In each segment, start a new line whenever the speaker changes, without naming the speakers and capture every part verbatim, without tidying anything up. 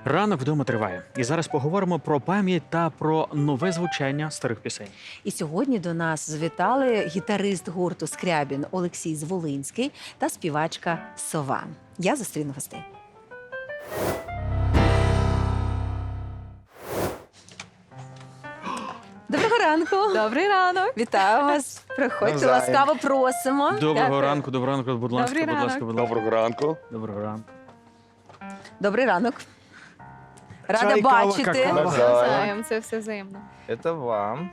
Ранок вдома триває. І зараз поговоримо про пам'ять та про нове звучання старих пісень.
І сьогодні до нас завітали гітарист гурту «Скрябін» Олексій Зволинський та співачка Сова. Я зустріну гостей. Доброго ранку!
Добрий ранок.
Вітаю вас! Приходьте,
Навзаєм.
ласкаво просимо.
Доброго
Дякую.
ранку, доброго ранку, будь ласка,
Добрий
будь ласка,
ранок.
будь ласка.
Доброго ранку.
Доброго ранку.
Добрий ранок. Рада
Чай, кава,
бачити.
какао.
Навзаєм, це все взаємно.
Это вам.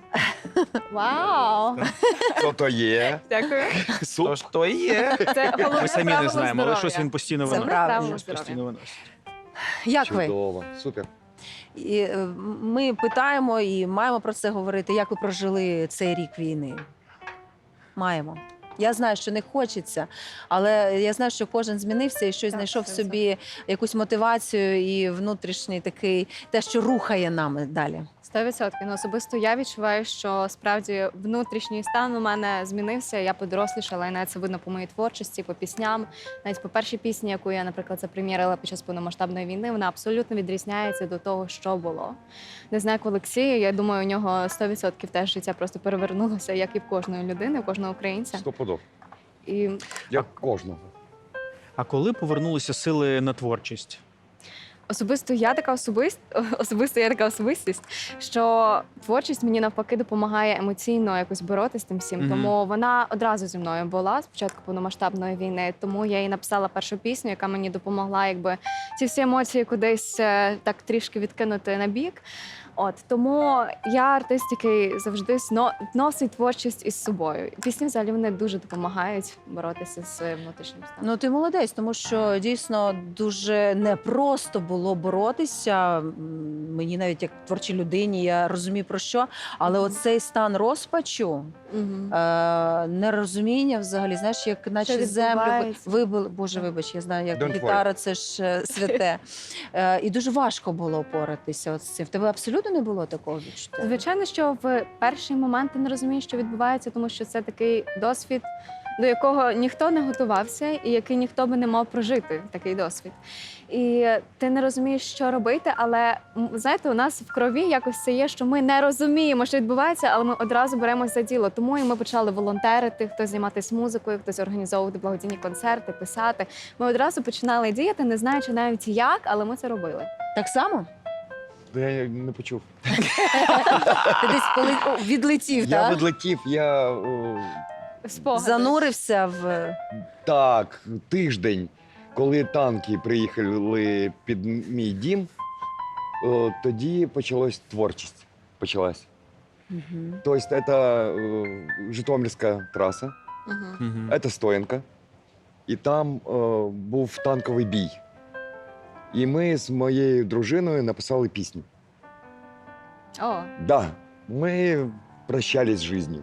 Вау!
Що то є?
Дякую.
То що є.
Це головне
Ми самі не
правило
знаємо, але
здоров'я.
щось він постійно
Це
виносить.
правильно.
Правило
Щось постійно
здоров'я.
виносить.
Як ви?
Чудово. Супер.
І, е, ми питаємо і маємо про це говорити. Як ви прожили цей рік війни? Маємо. Я знаю, що не хочеться, але я знаю, що кожен змінився і щось
Так,
знайшов в
це
собі якусь мотивацію і внутрішній такий, те, що рухає нами далі.
Сто відсотків. Ну, особисто я відчуваю, що справді внутрішній стан у мене змінився. Я подорослішала, і навіть це видно по моїй творчості, по пісням. Навіть по першій пісні, яку я, наприклад, запрем'єрила під час повномасштабної війни, вона абсолютно відрізняється до того, що було. Не знаю, як Олексія, я думаю, у нього сто відсотків теж життя просто перевернулося, як і в кожної людини, у кожного українця.
Сто подоб.
І
Як кожного.
А коли повернулися сили на творчість?
Особисто я така особист... особисто я така особистість, що творчість мені навпаки допомагає емоційно якось боротися з тим всім.
Мгм.
Тому вона одразу зі мною була з початку повномасштабної війни. Тому я і написала першу пісню, яка мені допомогла, якби ці всі емоції кудись е, так трішки відкинути на бік. От тому я артист, який завжди сно- носить творчість із собою. Пісні взагалі вони дуже допомагають боротися з своїм внутрішнім станом.
Ну, ти молодець, тому що дійсно дуже непросто було боротися. М, Мені навіть як творчій людині, я розумію про що, але
Мгм.
оцей стан розпачу,
Мгм.
е, нерозуміння взагалі, знаєш, як наче землю ви-
відбувається?
вибили. Боже, вибач, я знаю, як
Don't
гітара, це ж е, святе. Е, І дуже важко було опоратися от з цим. В тебе абсолютно не було такого відчуття?
Звичайно, що в перший момент ти не розумієш, що відбувається, тому що це такий досвід, до якого ніхто не готувався, і який ніхто би не мав прожити такий досвід. І ти не розумієш, що робити, але м, знаєте, у нас в крові якось це є, що ми не розуміємо, що відбувається, але ми одразу беремося за діло. Тому і ми почали волонтерити, хтось займатися музикою, хтось організовувати благодійні концерти, писати. Ми одразу починали діяти, не знаючи навіть як, але ми це робили.
Так само?
Та Я не почув.
Ти десь поли- о, відлетів,
Я
так?
відлетів, я о,
Спогади.
Занурився в.
так, тиждень, коли танки приїхали під мій дім, о, тоді почалась творчість. Почалась.
Мгм.
Тобто це о, Житомирська траса,
Мгм.
Мгм.
це Стоянка, і там о, був танковий бій. І ми з моєю дружиною написали пісню.
О,
Да, ми прощались з життю.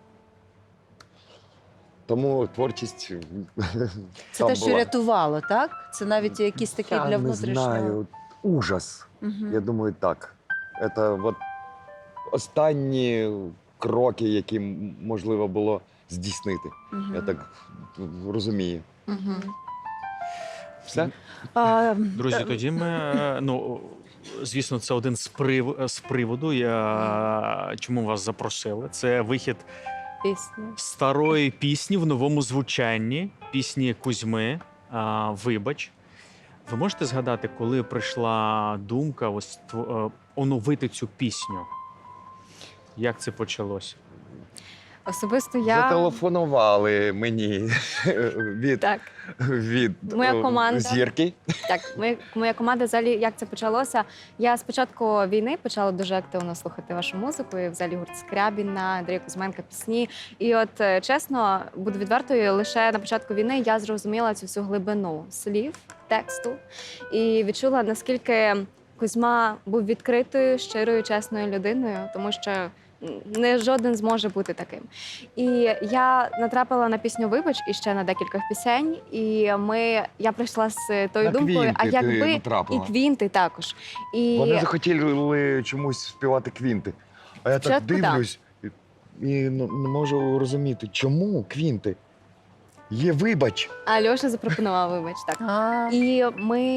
Тому творчість.
Це
там
те, що
була.
рятувало, так? Це навіть якісь такі
Я
для
не
внутрішнього.
знаю. Ужас.
Мгм.
Я думаю, так. Це от останні кроки, які м- можливо було здійснити.
Мгм.
Я так розумію.
Мгм.
Все?
А,
Друзі,
е,
тоді ми, е, ну, звісно, це один з, прив... з приводу, я... чому вас запросили. Це вихід
Пісні.
старої пісні в новому звучанні, пісні Кузьми а, «Вибач». Ви можете згадати, коли прийшла думка ось тв- е, оновити цю пісню? Як це почалося?
Особисто я
Зателефонували мені від,
так,
від
Моя
о,
команда.
зірки.
так. Ми, моя команда взагалі як це почалося. Я з початку війни почала дуже активно слухати вашу музику. І взагалі гурт Скрябіна, Андрія Кузьменка пісні. І от е, чесно, буду відвертою, лише на початку війни я зрозуміла цю всю глибину слів, тексту і відчула, наскільки Кузьма був відкритою, щирою, чесною людиною, тому що не жоден зможе бути таким. І я натрапила на пісню «Вибач» і ще на декілька пісень. І ми, я прийшла з тою
На
думкою, а
квінти ти
якби і
натрапила.
квінти також. І
Вони захотіли чомусь співати квінти. А я так
Спочатку так.
дивлюсь і, і не не можу розуміти, чому квінти? Є вибач.
Альоша запропонував «Вибач», так.
А,
І ми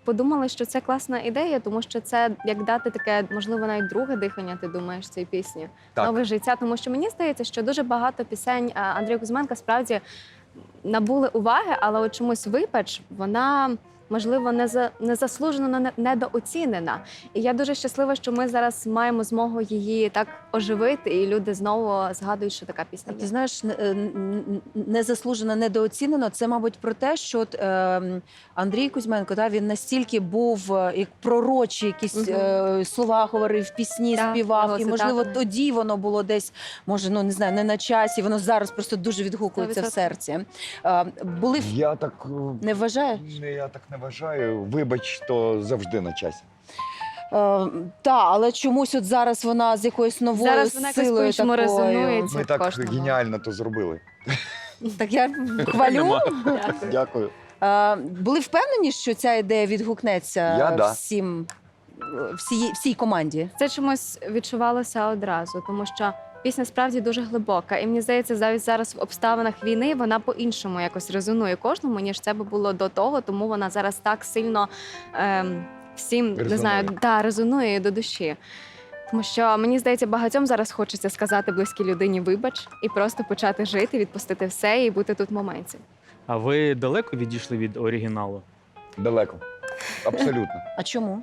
подумали, що це класна ідея, тому що це як дати таке, можливо, навіть друге дихання, ти думаєш, цій пісні.
Так.
Нове життя. Тому що мені здається, що дуже багато пісень а, Андрія Кузьменка справді набули уваги, але от чомусь «Вибач», вона, можливо, не за незаслужено не- недооцінена. І я дуже щаслива, що ми зараз маємо змогу її так оживити, і люди знову згадують, що така пісня
Ти
є.
знаєш, не- е, н- незаслужено недооцінено. Це, мабуть, про те, що от, е, Андрій Кузьменко, да, він настільки був е, як пророчі, якісь
Мгм.
е, слова говорив, пісні
Так,
співав.
його
І, можливо,
цитати.
тоді воно було десь, може, ну не знаю, не на часі. Воно зараз просто дуже відгукується в
сто відсотків.
серці. Е, були в-
Я так е,
не вважаєш?
не, я так не вважаю. Вибач, то завжди на часі.
Е, та, але чомусь от зараз вона з якоюсь новою
Зараз вона якось
силою
по-іншому
такою.
резонує. Це
Ми так
кожному.
геніально то зробили.
Так я хвалю.
Нема.
Дякую.
Дякую.
Е, були впевнені, що ця ідея відгукнеться
Я да.
всім, всій, всій команді?
Це чомусь відчувалося одразу, тому що пісня справді дуже глибока. І мені здається, навіть зараз в обставинах війни вона по-іншому якось резонує кожному, ніж це би було до того, тому вона зараз так сильно ем, всім не
Резонує.
знаю, да, резонує до душі. Тому що мені здається, багатьом зараз хочеться сказати близькій людині вибач і просто почати жити, відпустити все і бути тут в моменті.
А ви далеко відійшли від оригіналу?
Далеко. Абсолютно.
А чому?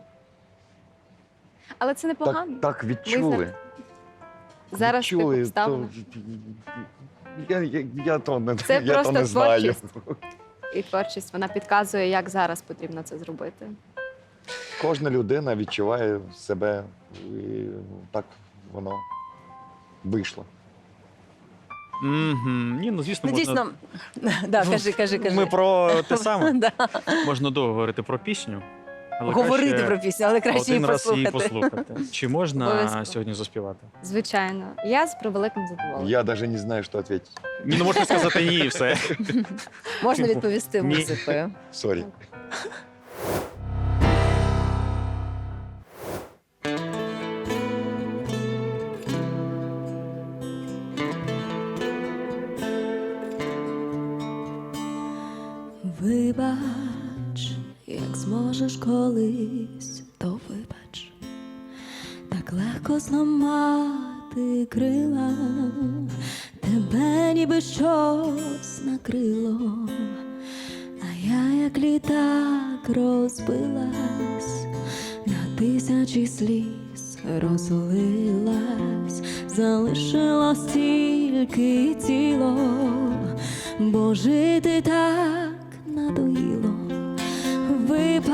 Але це непогано.
Так, так відчули.
Зараз в тих
відчули,
обставинах.
то, я, я, я то не,
Це
я то
просто
не знаю.
творчість. І творчість вона підказує, як зараз потрібно це зробити.
Кожна людина відчуває себе, і так воно вийшло.
Угу. Ні, ну звісно,
Ну,
можна...
дійсно, да, кажи, кажи, кажи.
Ми про те саме.
Да.
Можна довго говорити про пісню. Але
Говорити
краще
про пісню, але краще її
один раз її
послухати.
послухати. Чи можна
Обов'язково.
сьогодні заспівати?
Звичайно, я з превеликим задоволенням.
Я навіть не знаю, що відповідати.
Ну, можна сказати ні, і все.
Можна відповісти
Ні.
музикою.
Сорі.
Вибач, як зможеш колись, то вибач, так легко зламати крила, тебе ніби щось накрило, а я як літак розбилась, на тисячі сліз розлилась, залишилось тільки тіло, бо жити так надоїло. Вибач,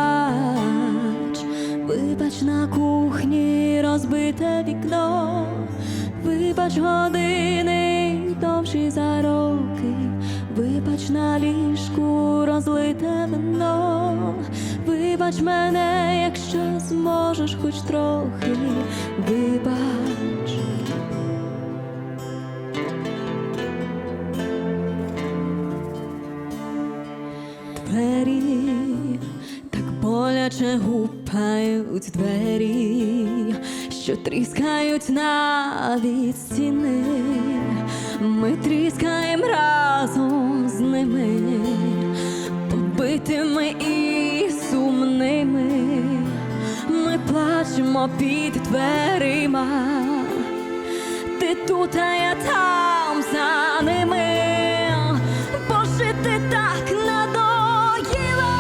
вибач на кухні розбите вікно, вибач години довші за роки, вибач на ліжку розлите вино, вибач мене, якщо зможеш хоч трохи, вибач. Двері так боляче гупають двері, що тріскають навіть стіни. Ми тріскаємо разом з ними, побитими і сумними. Ми плачемо під дверима, ти тут, а я там за ними. Бо жити так надоїло.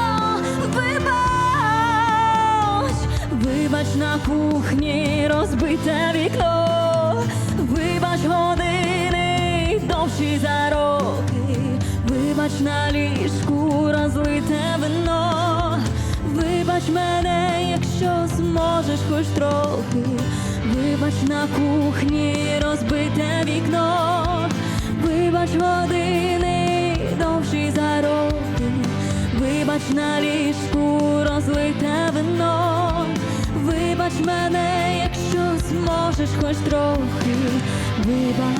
Вибач, вибач на кухні розбите вікно, вибач години довші за роки, вибач на ліжку розлите вино, вибач мене, якщо зможеш хоч трохи, вибач на кухні розбите вікно, вибач години довші за роки, вибач на ліжку розлите вино, вибач мене, якщо зможеш хоч трохи, вибач.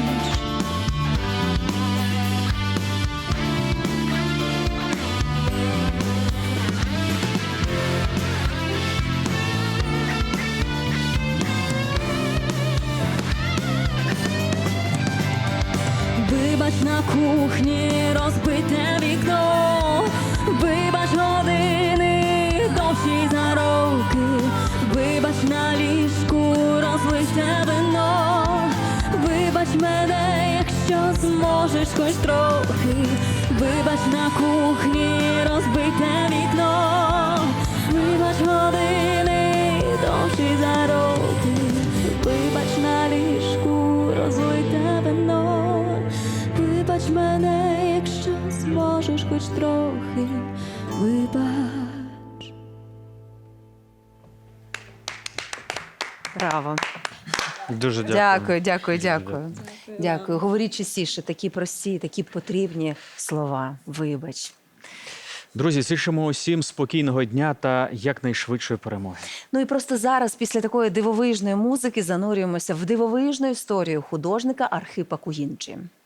Вибач на кухні розбите вікно, вибач години зможеш хоч трохи. Вибач на кухні розбите вікно, вибач години довші за роки, вибач на ліжку розлите вино, вибач мене, якщо зможеш хоч трохи, вибач.
Браво.
Дуже дякую.
Дякую, дякую,
Дуже
дякую. Дякую. Говоріть частіше такі прості, такі потрібні слова. Вибач.
Друзі, зичимо усім спокійного дня та якнайшвидшої перемоги.
Ну і просто зараз, після такої дивовижної музики, занурюємося в дивовижну історію художника Архипа Кугінджі.